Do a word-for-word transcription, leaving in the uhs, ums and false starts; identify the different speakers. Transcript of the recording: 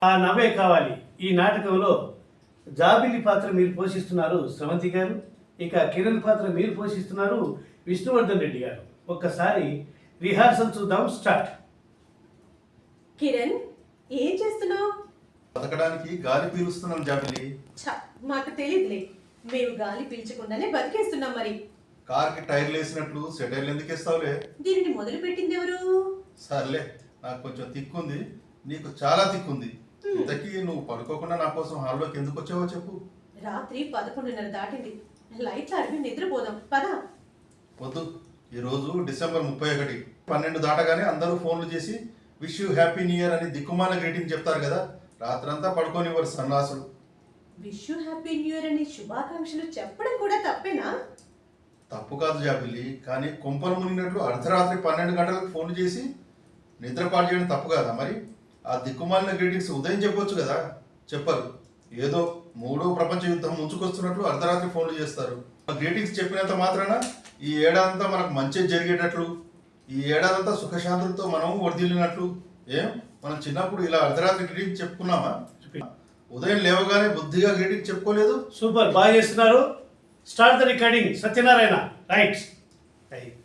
Speaker 1: ఆ నవ్వే కావాలి. ఈ నాటకంలో జాబిలి పాత్ర మీరు పోషిస్తున్నారు స్రవంతి గారు, ఇక కిరణ్ పాత్ర మీరు పోషిస్తున్నారు విష్ణువర్ధన్ రెడ్డి గారు. ఒక్కసారి రిహార్సల్ చూద్దాం. స్టార్ట్.
Speaker 2: కిరణ్, ఏం చేస్తున్నావు?
Speaker 3: బతకడానికి గాలి పీలుస్తున్నాం జాబిలి.
Speaker 2: ఛ, మాకు తెలియదులే. మేము గాలి పీల్చకుండానే బతికేస్తున్నాం. మరి
Speaker 3: కార్కి టైర్లు వేసినట్లు సెటైర్లు ఎందుకు వేస్తావులే?
Speaker 2: దీనిని మొదలు పెట్టింది ఎవరు?
Speaker 3: సర్లే, నాకు కొంచెం తిక్కుంది, నీకు చాలా తిక్కుంది. ఇంతకీ నువ్వు పడుకోకుండా నా కోసం హాల్లోకి ఎందుకు వచ్చావో చెప్పు.
Speaker 2: రాత్రి పదకొండున్నర దాటింది. లైట్లు అడిగి నిద్రపోదాం పద.
Speaker 3: వద్దు, ఈరోజు డిసెంబర్ ముప్పై ఒకటి పన్నెండు దాటగానే అందరూ ఫోన్లు చేసి wish you happy new year అని దిక్కుమాల గ్రీటింగ్ చెప్తారు కదా. రాత్రంతా పడుకోనివ్వరు సన్నాసులు.
Speaker 2: Wish you happy new year అని శుభాకాంక్షలు చెప్పడం కూడా తప్పేనా?
Speaker 3: తప్పు కాదు జాబిల్లి, కానీ కొంపలు మునిగినట్లు అర్ధరాత్రి పన్నెండు గంటలకు ఫోన్ చేసి నిద్రపాటు చేయడం తప్పు కదా. మరి ఆ దిక్కుమాలిన గ్రీటింగ్స్ ఉదయం చెప్పొచ్చు కదా, చెప్పరు. ఏదో మూడో ప్రపంచ యుద్ధం ముంచుకొస్తున్నట్లు అర్ధరాత్రి ఫోన్లు చేస్తారు. ఆ గ్రీటింగ్స్ చెప్పినంత మాత్రాన ఈ ఏడాదంతా మనకు మంచి జరిగేటట్లు, ఈ ఏడాదంతా సుఖశాంతులతో మనం వర్దిల్లినట్లు. ఏం మనం చిన్నప్పుడు ఇలా అర్ధరాత్రి గ్రీటింగ్స్ చెప్పుకున్నామా? ఉదయం లేవగానే బుద్ధిగా గ్రీటింగ్ చెప్పుకోలేదు.
Speaker 1: సూపర్, బాగా చేస్తున్నారు. Start the recording. Satyanarayana right.